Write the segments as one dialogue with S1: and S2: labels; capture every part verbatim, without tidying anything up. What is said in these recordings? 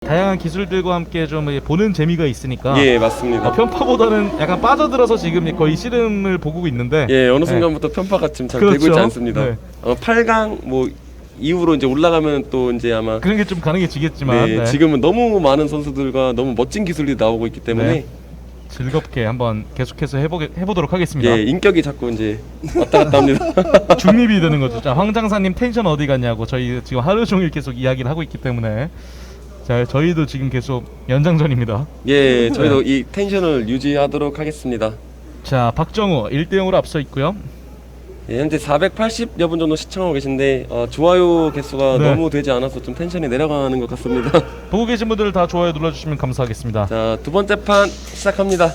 S1: 다양한 기술들과 함께 좀 보는 재미가 있으니까
S2: 예, 맞습니다.
S1: 어, 편파보다는 약간 빠져들어서 지금 거의 씨름을 보고 있는데
S2: 예, 어느
S1: 네.
S2: 순간부터 편파가 지금 잘
S1: 그렇죠.
S2: 되고 있지 않습니다.
S1: 네.
S2: 어, 팔 강 뭐 이후로 이제 올라가면 또 이제 아마
S1: 그런 게 좀 가능해지겠지만
S2: 네,
S1: 네.
S2: 지금은 너무 많은 선수들과 너무 멋진 기술이 나오고 있기 때문에
S1: 네. 즐겁게 한번 계속해서 해보게, 해보도록 하겠습니다.
S2: 예, 인격이 자꾸 이제 왔다 갔다 합니다.
S1: 중립이 되는 거죠. 자, 황장사님 텐션 어디 갔냐고 저희 지금 하루 종일 계속 이야기를 하고 있기 때문에 자, 저희도 지금 계속 연장전입니다.
S2: 예, 저희도
S1: 네.
S2: 이 텐션을 유지하도록 하겠습니다.
S1: 자, 박정우 일 대 영으로 앞서 있고요.
S2: 예, 현재 사백팔십여 분 정도 시청하고 계신데 어, 좋아요 개수가
S1: 네.
S2: 너무 되지 않아서 좀 텐션이 내려가는 것 같습니다.
S1: 보고 계신 분들 다 좋아요 눌러주시면 감사하겠습니다.
S2: 자, 두 번째 판 시작합니다.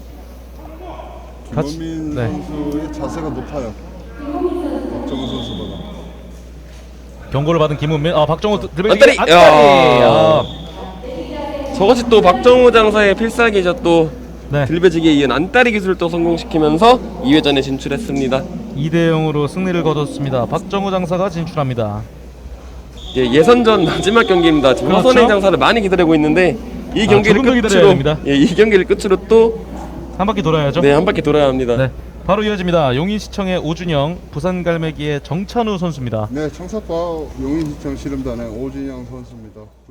S1: 같이-
S3: 김원민
S1: 네.
S3: 선수의 자세가 높아요. 박정우 선수보다.
S1: 경고를 받은 김은민, 아 박정우 들배지기
S2: 앞다리!
S1: 앞다리.
S2: 야.
S1: 아,
S2: 저것이 또 박정우 장사의 필살기죠. 또
S1: 네.
S2: 들배지기에 이은 안다리 기술을 또 성공시키면서 이 회전에 진출했습니다.
S1: 이 대 영으로 승리를 거뒀습니다. 박정우 장사가 진출합니다.
S2: 예, 예선전 마지막 경기입니다. 지금
S1: 그렇죠.
S2: 허선행 장사를 많이 기다리고 있는데 이
S1: 아,
S2: 경기를
S1: 조금 더 기다려야
S2: 끝으로
S1: 됩니다.
S2: 예, 이 경기를 끝으로 또
S1: 한 바퀴 돌아야죠.
S2: 네, 한 바퀴 돌아야 합니다.
S1: 네, 바로 이어집니다. 용인시청의 오준영, 부산갈매기의 정찬우 선수입니다.
S3: 네, 청사과 용인시청 씨름단의 오진영 선수입니다.